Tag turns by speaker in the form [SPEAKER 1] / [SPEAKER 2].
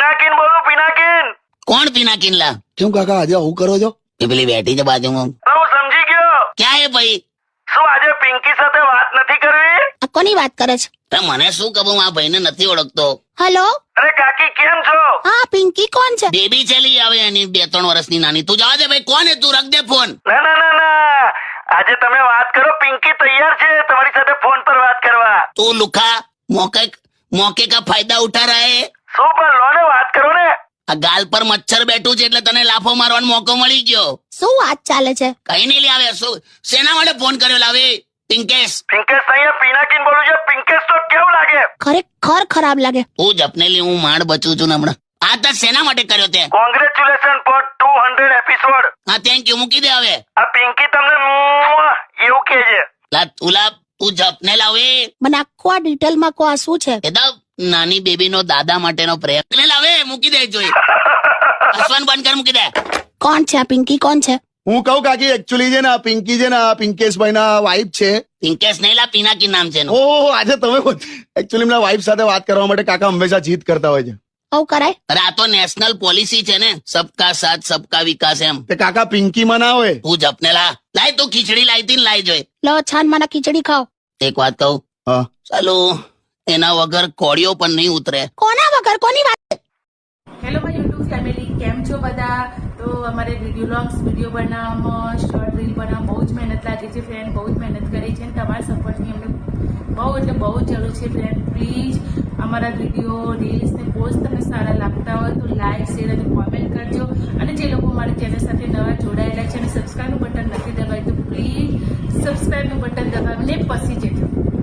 [SPEAKER 1] પિનાકીન બોલું, પિનાકીન.
[SPEAKER 2] કોણ પિનાકીન લા?
[SPEAKER 3] કેમ કાકા આજે આવું કરો છો?
[SPEAKER 2] એ પેલી બેઠી છે બાજુમાં.
[SPEAKER 1] હું સમજી ગયો.
[SPEAKER 2] ક્યાં એ ભાઈ?
[SPEAKER 1] શું આજે પિંકી સાથે વાત નથી કરવી?
[SPEAKER 4] આ કોની વાત કરે છે?
[SPEAKER 2] અરે મને શું ખબર, આ ભાઈને નથી ઓળખતો.
[SPEAKER 4] હેલો,
[SPEAKER 1] અરે કાકી કેમ છો?
[SPEAKER 4] હા પિંકી કોણ છે?
[SPEAKER 2] બેબી છે લી, આવે એની 2-3 વર્ષની નાની. તું જવા દે ભાઈ, કોણ હે તું? રખ દે ફોન.
[SPEAKER 1] ના ના ના ના, આજે તમે વાત કરો. પિંકી તૈયાર છે તમારી સાથે ફોન પર વાત કરવા.
[SPEAKER 2] તું લુખા મોકે કા ફાયદા ઉઠા રહા હે.
[SPEAKER 1] શું પણ લો ને, વાત કરો ને.
[SPEAKER 2] આ ગાલ પર મચ્છર બેઠું છે એટલે તને લાફો મારવાનો મોકો મળી ગયો.
[SPEAKER 4] શું વાત ચાલે છે?
[SPEAKER 2] કઈ નહીં લે. આવે શું શેના માટે ફોન કર્યો લાવે? પિંકેશ.
[SPEAKER 1] પિંકેશ અહીંયા પિનાકીન બોલું છે. પિંકેશ તો કેવું લાગે?
[SPEAKER 4] ખરેખર ખરાબ લાગે.
[SPEAKER 2] હું જપને લી, હું માંડ બચું છું ને હમણાં. આ તો શેના માટે કર્યો તે?
[SPEAKER 1] Congratulation for 200 episode.
[SPEAKER 2] હા થેન્ક યુ, મૂકી દે હવે.
[SPEAKER 1] આ પિંકી તમને એવું કે છે.
[SPEAKER 2] લા તુલા તું જપને લાવે.
[SPEAKER 4] મને આખું આ ડિટેલમાં કહો, આ શું છે?
[SPEAKER 2] એ તો નાની બેબી નો દાદા માટેનો પ્રેમ. ને લાવે, મૂકી દે. જોઈ હસવાનું બંધ કર, મૂકી દે.
[SPEAKER 4] કોણ છે આ પિંકી? કોણ છે?
[SPEAKER 3] હું કહું કાકી એકચ્યુઅલી છે ને આ પિંકી છે ને આ પિંકેશભાઈ ના વાઇફ છે.
[SPEAKER 2] પિંકેશ નહીં લા, પિનાકી નામ છે એનું.
[SPEAKER 3] ઓહો આજે તમે એકચ્યુઅલી એમના વાઇફ સાથે વાત કરવા માટે કાકા હંમેશા જીત કરતા હોય છે.
[SPEAKER 4] આવું કરાય?
[SPEAKER 2] અરે આ તો નેશનલ પોલિસી છે ને, સબકા સાથ સબકા વિકાસ એમ.
[SPEAKER 3] તે કાકા પિંકી માં ના હોય.
[SPEAKER 2] તું જપને લા. લાય તું ખીચડી લાવી હતી ને, લાઈ જોઈ.
[SPEAKER 4] લો છાન મને ખીચડી ખાઓ.
[SPEAKER 2] એક વાત કહું,
[SPEAKER 3] હા
[SPEAKER 2] ચાલો એના વગર કોળીઓ પણ નહીં ઉતરે.
[SPEAKER 4] કોના વગર? કોની વાત?
[SPEAKER 5] હેલો માય યુટ્યુબ ફેમિલી, કેમ છો બધા? તો અમારે વિડીયો બનાવવામાં, શોર્ટ રીલ બનાવવામાં બહુ જ મહેનત લાગી છે ફ્રેન્ડ. બહુ જ મહેનત કરી છે અને તમારા સપોર્ટની અમને બહુ એટલે બહુ જ જરૂર છે ફ્રેન્ડ. પ્લીઝ અમારા વિડીયો રીલ્સ ને પોસ્ટ તમને સારા લાગતા હોય તો લાઈક શેર અને કોમેન્ટ કરજો. અને જે લોકો મારી ચેનલ સાથે નવા જોડાયેલા છે અને સબસ્ક્રાઈબનું બટન નથી દબાવ્યું તો પ્લીઝ સબસ્ક્રાઈબનું બટન દબાવીને પછી જજો.